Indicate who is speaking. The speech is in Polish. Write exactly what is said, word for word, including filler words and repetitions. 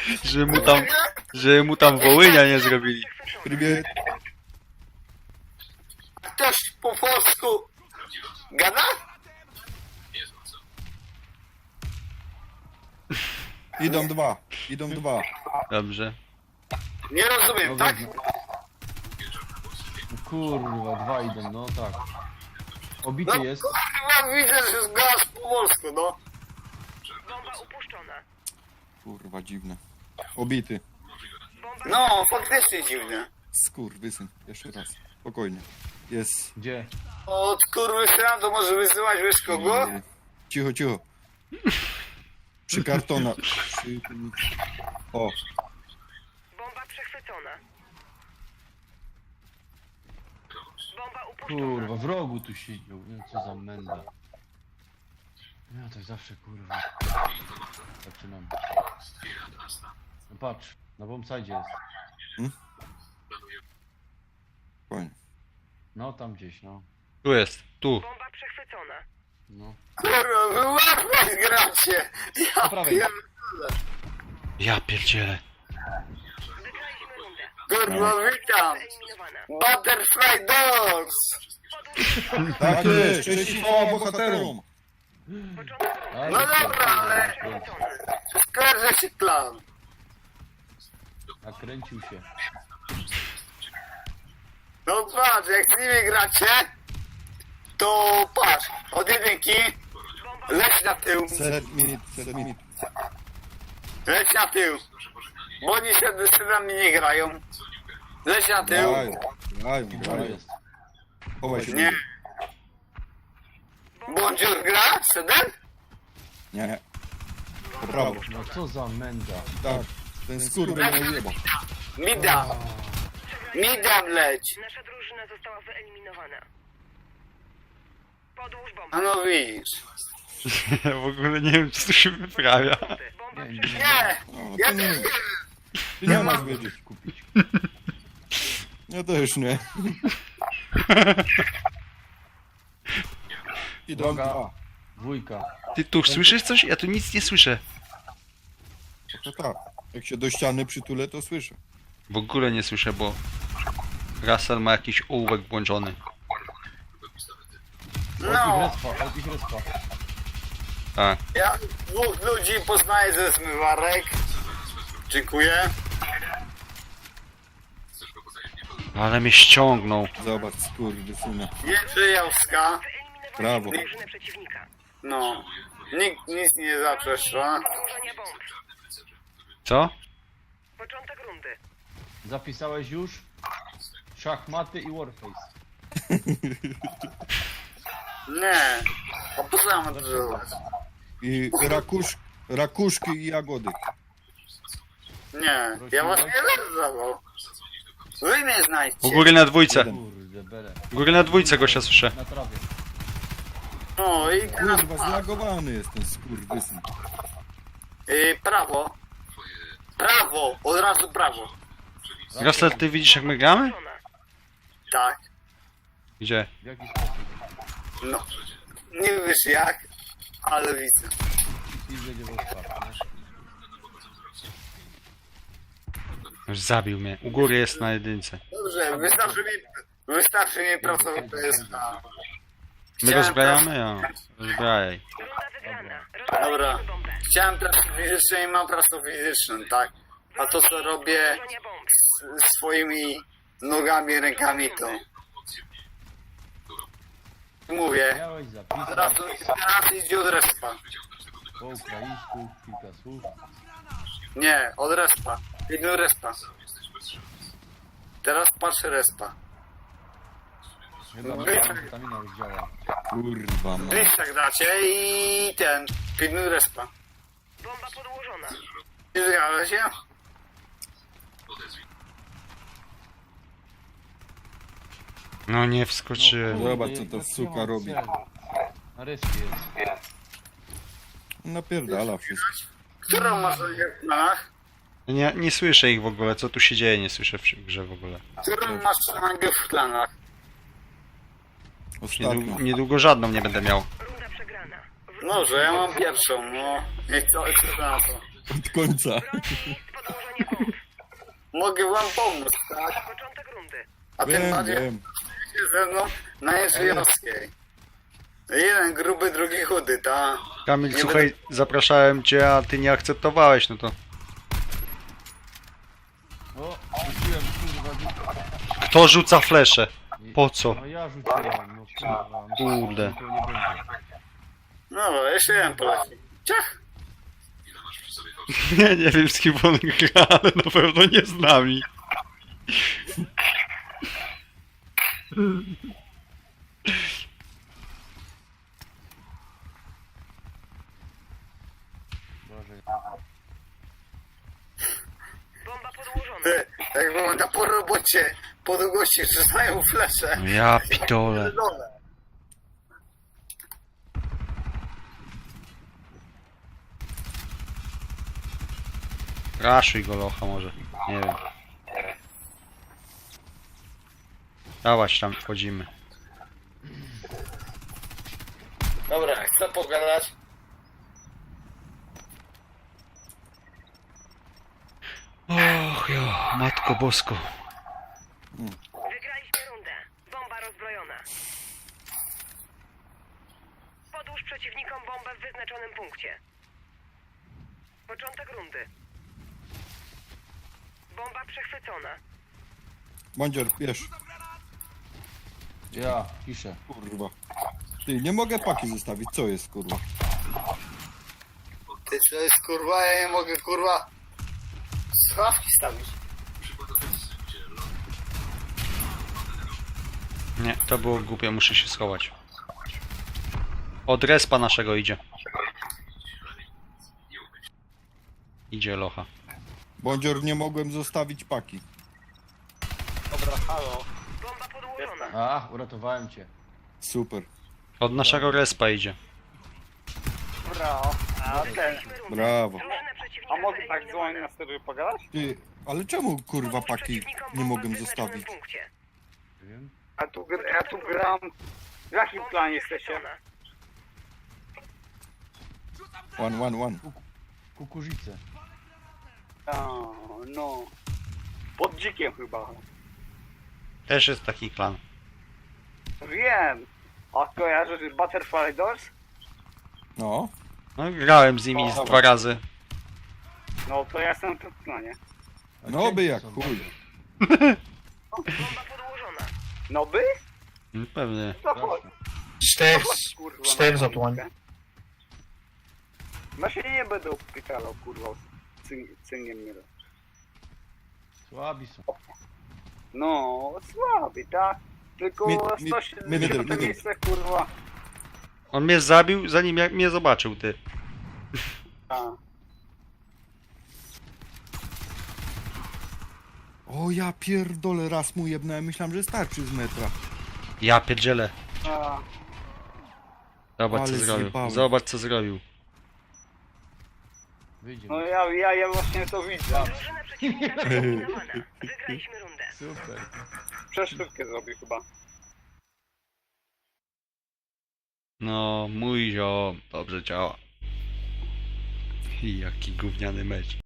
Speaker 1: Że mu tam, że mu tam Wołynia nie zrobili.
Speaker 2: Привет.
Speaker 3: Ktoś po polsku gada?
Speaker 2: Idą dwa, idą dwa.
Speaker 1: Dobrze.
Speaker 3: Nie rozumiem, tak?
Speaker 4: Kurwa, dwa idą, no tak. Obity
Speaker 3: No
Speaker 4: jest.
Speaker 3: kurwa, widzę, że gadasz po polsku, no.
Speaker 5: Bomba upuszczona.
Speaker 2: Kurwa, dziwne. Obity.
Speaker 3: No, faktycznie dziwne.
Speaker 2: Skurwysyn. Jeszcze raz. Spokojnie. Jest.
Speaker 4: Gdzie?
Speaker 3: Od kurwy syna to może wysyłać wiesz kogo?
Speaker 2: Cicho, cicho. Przy kartonach. Przy... O,
Speaker 5: Bomba przechwycona. Bomba upuszczona.
Speaker 4: Kurwa, w rogu tu siedział. Nie wiem co za menda. Ja to zawsze kurwa. Zaczynam. No patrz, na bombsite jest.
Speaker 2: spokojnie.
Speaker 4: No tam gdzieś, no.
Speaker 1: Tu jest, tu.
Speaker 5: Bomba przechwycona.
Speaker 4: No.
Speaker 3: Kurwa, wy łatwo gracie. Ja
Speaker 4: Po prawej.
Speaker 3: pierdolę.
Speaker 1: Ja pierdzielę.
Speaker 5: Wygraliśmy rundę.
Speaker 3: Kurwa, witam.
Speaker 5: Eliminowana.
Speaker 3: Butterfly Dogs.
Speaker 2: Tak jest, cześć i chwała bohaterom.
Speaker 5: Początek rundy.
Speaker 4: Ale
Speaker 3: No dobra, ale
Speaker 5: Przechwycona.
Speaker 3: skarżę się plan.
Speaker 4: A kręcił się.
Speaker 3: No patrz, jak z nimi gracie, to patrz, od jedynki, leć na tył,
Speaker 2: Set minut, set minut.
Speaker 3: leć na tył, bo oni się z nami nie grają, leć na tył,
Speaker 2: Grają, grają,
Speaker 4: To
Speaker 2: grają.
Speaker 4: jest.
Speaker 2: Chowaj się.
Speaker 3: nie, Bądziur gra, Sedem?
Speaker 2: Nie. Po prawo.
Speaker 4: No co za menda.
Speaker 2: Tak. Ten skurwy nie jeba.
Speaker 3: Mida, Mida leć,
Speaker 5: Nasza drużyna została wyeliminowana. Podłóż
Speaker 3: a
Speaker 5: bombę.
Speaker 3: no widzisz,
Speaker 1: Ja w ogóle nie wiem, co tu się wyprawia.
Speaker 5: Bomba
Speaker 4: Nie, nie,
Speaker 5: przechwycona.
Speaker 3: nie,
Speaker 2: No,
Speaker 3: ja
Speaker 2: to nie,
Speaker 3: też nie,
Speaker 2: ty nie masz wiedzieć.
Speaker 4: Kupić.
Speaker 2: Ja też nie. Idą
Speaker 4: Droga.
Speaker 2: dwa.
Speaker 4: Dwójka.
Speaker 1: Ty tu słyszysz coś? Ja tu nic nie słyszę.
Speaker 2: To tak. Jak się do ściany przytulę, to słyszę.
Speaker 1: W ogóle nie słyszę, bo Russell ma jakiś ołówek włączony.
Speaker 4: Od ich
Speaker 3: no,
Speaker 4: respa, od ich respa.
Speaker 1: Tak.
Speaker 3: ja dwóch ludzi poznaję ze zmywarek, dziękuję,
Speaker 1: Ale mnie ściągnął.
Speaker 2: Zobacz, skurwysyna.
Speaker 3: Jędrzejowska,
Speaker 2: Brawo.
Speaker 5: Drużynę przeciwnika.
Speaker 3: no, nikt nic nie zaprzecza.
Speaker 5: Ułożenia bomb.
Speaker 1: Co?
Speaker 5: Początek rundy.
Speaker 4: Zapisałeś już? Szachmaty i Warface.
Speaker 3: Nie, a po co ja mam to zrobić?
Speaker 2: I rakusz, rakuszki i jagody.
Speaker 3: Nie, ja was nie zawał. Wy mnie znajdźcie.
Speaker 1: U góry na dwójce.
Speaker 4: Kurde, bele.
Speaker 1: U góry na dwójce gościa słyszę.
Speaker 4: Na trawie.
Speaker 3: No i teraz
Speaker 2: Kurwa, zlagowany jest ten skurwysyn.
Speaker 3: y, prawo. Prawo, od razu prawo.
Speaker 1: Russell, ty widzisz jak my gramy?
Speaker 5: Żona.
Speaker 3: Tak,
Speaker 1: Gdzie?
Speaker 4: W jaki sposób?
Speaker 3: no. Nie wiesz jak, ale widzę.
Speaker 4: I będzie w ostatnim.
Speaker 1: Już zabił mnie. U góry jest na jedynce.
Speaker 3: Dobrze, wystarczy mi, wystarczy mi pracować, to jest na...
Speaker 1: My
Speaker 3: Chciałem
Speaker 1: rozbrajamy? Ja. Rozbrajaj.
Speaker 5: Runda wygrana.
Speaker 3: Dobra,
Speaker 5: Rozwaliliśmy bombę.
Speaker 3: chciałem pracę fizyczną i mam pracę fizyczną, tak? A to co robię
Speaker 5: Ułożenia bomb.
Speaker 3: z swoimi nogami, rękami to... Mówię,
Speaker 4: Miałeś zapisać
Speaker 3: teraz, teraz idzie od respa.
Speaker 4: po ukraińsku kilka słów.
Speaker 3: Nie, od respa. Idę respa. Teraz patrzę respa.
Speaker 4: Chyba
Speaker 3: No,
Speaker 4: metamfetamina już działa.
Speaker 2: Kurwa, ma.
Speaker 3: Bliższak dacie i ten, pilnuj respa.
Speaker 5: Bomba podłożona.
Speaker 3: Nie zgadza się?
Speaker 1: No nie wskoczyłem.
Speaker 2: Zobacz, co
Speaker 4: jak-
Speaker 2: ta
Speaker 4: jak
Speaker 2: suka
Speaker 4: nie ma
Speaker 2: robi.
Speaker 4: celu. Na respie jest.
Speaker 2: Napierdala wszystko.
Speaker 3: Którą masz w planach?
Speaker 1: Nie, nie słyszę ich w ogóle. Co tu się dzieje? Nie słyszę w grze w ogóle.
Speaker 3: Którą masz rangę w planach?
Speaker 2: Ostatnio.
Speaker 1: Niedługo, niedługo żadną nie będę miał.
Speaker 5: Runda przegrana.
Speaker 3: Może, ja mam pierwszą, no. I co, co na to?
Speaker 2: Od końca.
Speaker 5: Broni z Podłożenie bomb.
Speaker 3: Mogę wam pomóc, tak?
Speaker 5: Początek rundy.
Speaker 3: A tym
Speaker 2: Wiem,
Speaker 3: bardziej
Speaker 2: wiem.
Speaker 3: się ze mną na Jeżyjowskiej. Jeden gruby, drugi chudy, ta.
Speaker 1: Kamil,
Speaker 3: Nie
Speaker 1: słuchaj, zapraszałem cię, a ty nie akceptowałeś, no to...
Speaker 4: O, rzuciłem kurwa.
Speaker 1: Kto rzuca flesze?
Speaker 4: i-
Speaker 1: Po co?
Speaker 4: No ja rzuciłem, no kurwa. myślałem,
Speaker 1: Kurde.
Speaker 4: że to nie będzie.
Speaker 3: No, jeszcze jeden poleci. Ciach!
Speaker 1: Nie, nie wiem z kim on gra, ale na pewno nie z nami.
Speaker 4: Boże.
Speaker 5: Bomba podłożona.
Speaker 3: Ty, jak wygląda po robocie, po długości rzucają flesze.
Speaker 1: No ja pitole.
Speaker 3: Dole.
Speaker 1: Raszuj go locha może. Nie wiem. Dawać tam wchodzimy.
Speaker 3: Dobra, chcę pogadać.
Speaker 1: Och jo, matko bosko.
Speaker 5: Wygraliśmy rundę. Bomba rozbrojona. Podłóż przeciwnikom bombę w wyznaczonym punkcie. Początek rundy. Bomba przechwycona.
Speaker 2: Bandzior, wiesz,
Speaker 4: Ja, piszę.
Speaker 2: kurwa. Ty, nie mogę paki zostawić, co jest, kurwa?
Speaker 3: Ty co jest kurwa, ja nie mogę kurwa schawki stawić.
Speaker 1: Nie, to było głupie, muszę się schować. Od respa naszego idzie. Idzie locha.
Speaker 2: Bandzior, nie mogłem zostawić paki.
Speaker 3: Dobra, halo.
Speaker 5: Bomba podłożona.
Speaker 4: A, uratowałem cię.
Speaker 2: Super.
Speaker 1: Od naszego respa idzie.
Speaker 3: Dobra, a ten.
Speaker 5: Wygraliśmy rundę.
Speaker 2: Brawo.
Speaker 5: Drużyna przeciwnika
Speaker 3: A mogę tak
Speaker 5: wyeliminowana.
Speaker 3: dzwonić na stereo pogadać?
Speaker 2: Ty, ale czemu, kurwa,
Speaker 5: Podłóż
Speaker 2: paki
Speaker 5: przeciwnikom
Speaker 2: nie
Speaker 5: bombę
Speaker 2: mogłem
Speaker 5: w wyznaczonym
Speaker 2: zostawić?
Speaker 5: punkcie.
Speaker 4: Nie wiem.
Speaker 3: A tu, gr- ja tu gram. W jakim
Speaker 5: Bomba
Speaker 3: planie jesteście?
Speaker 5: przechwycona.
Speaker 2: One, one, one.
Speaker 4: Kukurzycę.
Speaker 3: A, no. Pod dzikiem chyba.
Speaker 1: Też jest taki klan.
Speaker 3: Wiem. A kojarzysz Butterfly Doors?
Speaker 2: No.
Speaker 1: No, grałem z nimi z dwa razy.
Speaker 3: No to ja jestem w planie.
Speaker 4: A
Speaker 2: No by
Speaker 4: cienki
Speaker 2: jak
Speaker 4: są.
Speaker 2: chuj.
Speaker 5: Bomba podłożona.
Speaker 3: No by?
Speaker 1: No, pewnie.
Speaker 3: To chodź.
Speaker 6: Cztery,
Speaker 3: Chodź, kurwa,
Speaker 6: cztery
Speaker 3: na
Speaker 6: zatłań.
Speaker 3: chwilkę. No się nie będę upykalał, kurwa. Cyn, cyniem nie robię.
Speaker 4: Słabi są.
Speaker 3: No, słaby, tak? Tylko
Speaker 2: Mi- mi-
Speaker 3: sto
Speaker 2: middle,
Speaker 3: siedemdziesiąt
Speaker 2: middle.
Speaker 3: miejsce, kurwa.
Speaker 1: On mnie zabił, zanim jak mnie zobaczył, ty.
Speaker 3: A.
Speaker 2: O ja pierdolę, raz mu jebnąłem, myślałem, że starczy z metra.
Speaker 1: Ja pierdzielę.
Speaker 3: A.
Speaker 1: Zobacz co
Speaker 2: Ale
Speaker 1: zrobił.
Speaker 2: zjebałem.
Speaker 1: Zobacz co zrobił.
Speaker 4: Wyjdzie.
Speaker 3: No ja, ja, ja właśnie to widzę.
Speaker 5: Drużyna przeciwnika wyeliminowana. Wygraliśmy rundę.
Speaker 4: Super.
Speaker 3: Przeszczepkę zrobił chyba.
Speaker 1: No, mój ziom dobrze działa. I jaki gówniany mecz.